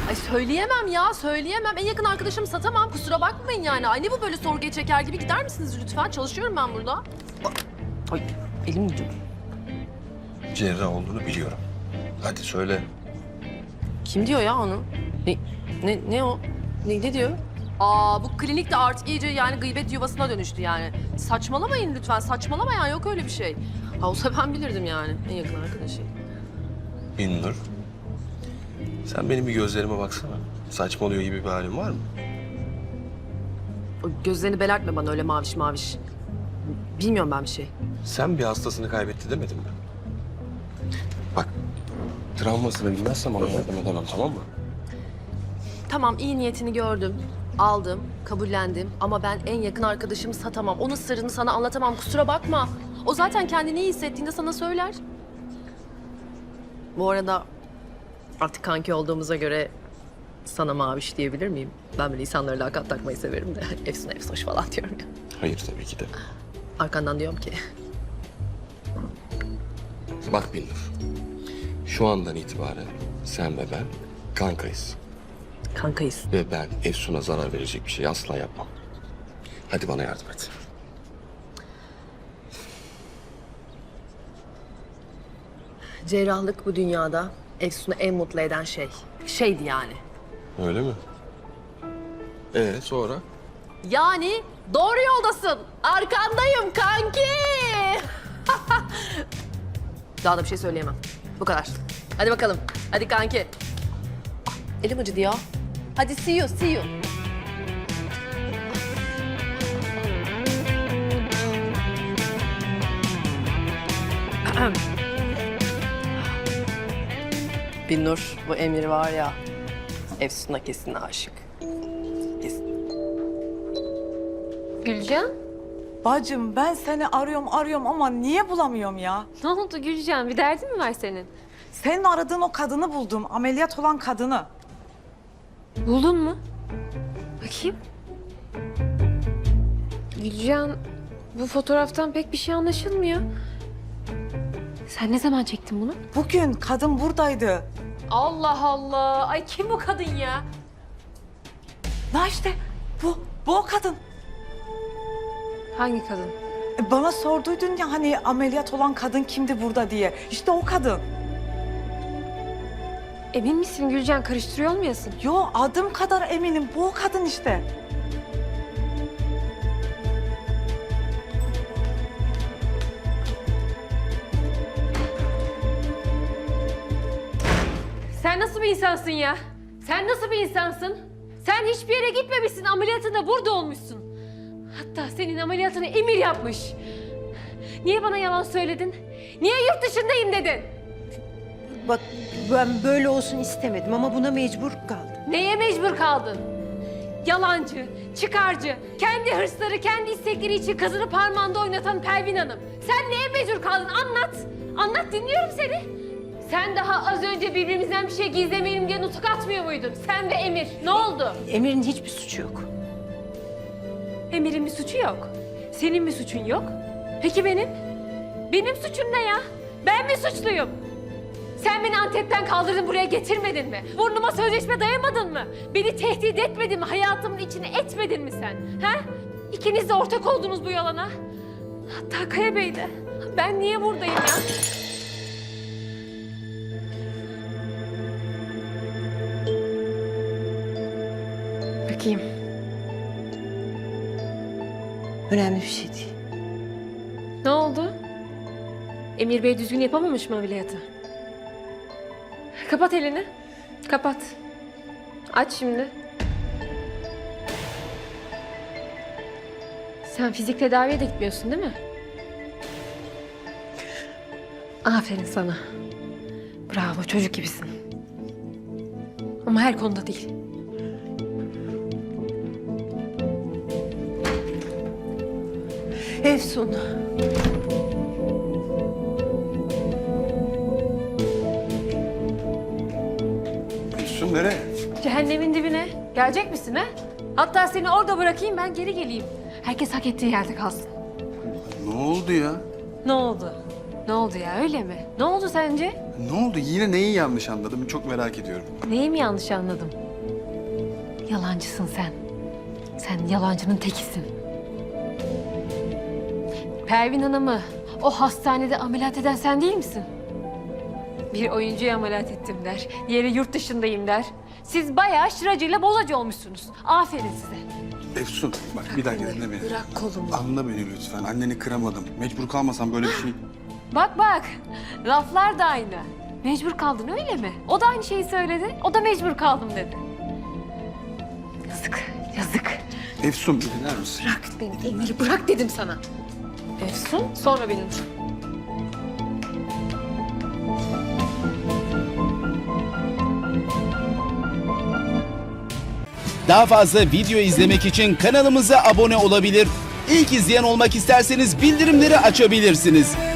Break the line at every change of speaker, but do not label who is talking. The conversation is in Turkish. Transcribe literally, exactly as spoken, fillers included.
Ay söyleyemem ya, söyleyemem. En yakın arkadaşımı satamam. Kusura bakmayın yani. Ay ne bu böyle sorguya çeker gibi gider misiniz lütfen? Çalışıyorum ben burada. Ay elim gidiyor.
Cerrah olduğunu biliyorum. Hadi söyle.
Kim diyor ya onu? Ne, ne, ne o? Ne, ne diyor? Aa bu klinik de artık iyice yani gıybet yuvasına dönüştü yani. Saçmalamayın lütfen, saçmalamayan yok öyle bir şey. Ha olsa ben bilirdim yani en yakın arkadaşıyım.
Binnur. Sen benim bir gözlerime baksana. Saçmalıyor gibi bir halin var mı?
O gözlerini belertme bana öyle maviş maviş. Bilmiyorum ben bir şey.
Sen bir hastasını kaybetti demedin mi? Bak, travmasını bilmezsem ona yardım edemem, tamam mı?
Tamam iyi niyetini gördüm, aldım, kabullendim ama ben en yakın arkadaşımı satamam. Onun sırrını sana anlatamam kusura bakma. O zaten kendini iyi hissettiğinde sana söyler. Bu arada artık kanki olduğumuza göre sana maviş diyebilir miyim? Ben böyle insanlara lakat takmayı severim de efsun efsoş falan diyorum ya.
Hayır tabii ki de.
Arkandan diyorum ki
Bak Binnur, şu andan itibaren sen ve ben kankayız.
kankayız.
Ve ben Efsun'a zarar verecek bir şey asla yapmam. Hadi bana yardım et.
Cerrahlık bu dünyada Efsun'u en mutlu eden şey. Şeydi yani.
Öyle mi? Ee sonra?
Yani doğru yoldasın. Arkandayım kanki. Daha da bir şey söyleyemem. Bu kadar. Hadi bakalım. Hadi kanki. Ah, elim acıdı ya. Hadi see you, see you. Binnur, bu Emir var ya, Efsun'a kesin aşık. Kesin.
Gülcan,
Bacım ben seni arıyorum arıyorum ama niye bulamıyorum ya?
ne oldu Gülcan? Bir derdin mi var senin?
Senin aradığın o kadını buldum. Ameliyat olan kadını.
Buldun mu? Bakayım. Gülcan, bu fotoğraftan pek bir şey anlaşılmıyor. Sen ne zaman çektin bunu?
Bugün kadın buradaydı.
Allah Allah! Ay kim bu kadın ya?
Na işte bu, bu o kadın.
Hangi kadın?
E, bana sorduydun ya hani ameliyat olan kadın kimdi burada diye. İşte o kadın.
Emin misin Gülcan? Karıştırıyor olmayasın?
Yo adım kadar eminim bu o kadın işte.
Sen nasıl bir insansın ya? Sen nasıl bir insansın? Sen hiçbir yere gitmemişsin, ameliyatında burada olmuşsun. Hatta senin ameliyatını Emir yapmış. Niye bana yalan söyledin? Niye yurt dışındayım dedin?
Bak ben böyle olsun istemedim ama buna mecbur kaldım.
Neye mecbur kaldın? Yalancı, çıkarcı, kendi hırsları, kendi istekleri için kızını parmağında oynatan Pervin Hanım. Sen neye mecbur kaldın? Anlat. Anlat, dinliyorum seni. Sen daha az önce birbirimizden bir şey gizlemeyelim diye nutuk atmıyor muydun? Sen ve Emir. Ne oldu?
Emir'in hiçbir suçu yok.
Emir'in bir suçu yok. Senin bir suçun yok. Peki benim? Benim suçum ne ya? Ben mi suçluyum? Sen beni Antep'ten kaldırdın, buraya getirmedin mi? Burnuma sözleşme dayamadın mı? Beni tehdit etmedin mi? Hayatımın içine etmedin mi sen? Ha? İkiniz de ortak oldunuz bu yalana. Hatta Kaya Bey de. Ben niye buradayım ya?
Bakayım. Önemli bir şey değil.
Ne oldu? Emir Bey düzgün yapamamış mı ameliyatı? Kapat elini. Kapat. Aç şimdi. Sen fizik tedaviye de gitmiyorsun değil mi? Aferin sana. Bravo, çocuk gibisin. Ama her konuda değil.
Efsun.
Efsun nereye?
Cehennemin dibine. Gelecek misin ha? Hatta seni orada bırakayım, ben geri geleyim. Herkes hak ettiği yerde kalsın.
Ne oldu ya?
Ne oldu? Ne oldu ya öyle mi? Ne oldu sence?
Ne oldu? Yine neyi yanlış anladım? Çok merak ediyorum.
Neyi mi yanlış anladım? Yalancısın sen. Sen yalancının tekisin. Pervin Hanım'ı o hastanede ameliyat eden sen değil misin? Bir oyuncuyu ameliyat ettim der. Diğeri yurt dışındayım der. Siz bayağı şıracıyla bozacı olmuşsunuz. Aferin size.
Efsun bak bir dakika dinle beni.
Bırak kolumu.
Anla beni lütfen. Anneni kıramadım. Mecbur kalmasam böyle bir şey...
Bak bak, laflar da aynı. Mecbur kaldın öyle mi? O da aynı şeyi söyledi. O da mecbur kaldım dedi. Yazık, yazık.
Efsun bir dinler misin?
Bırak beni Emir, bırak dedim sana. Efsun, sonra benim.
Daha fazla video izlemek için kanalımıza abone olabilir. İlk izleyen olmak isterseniz bildirimleri açabilirsiniz.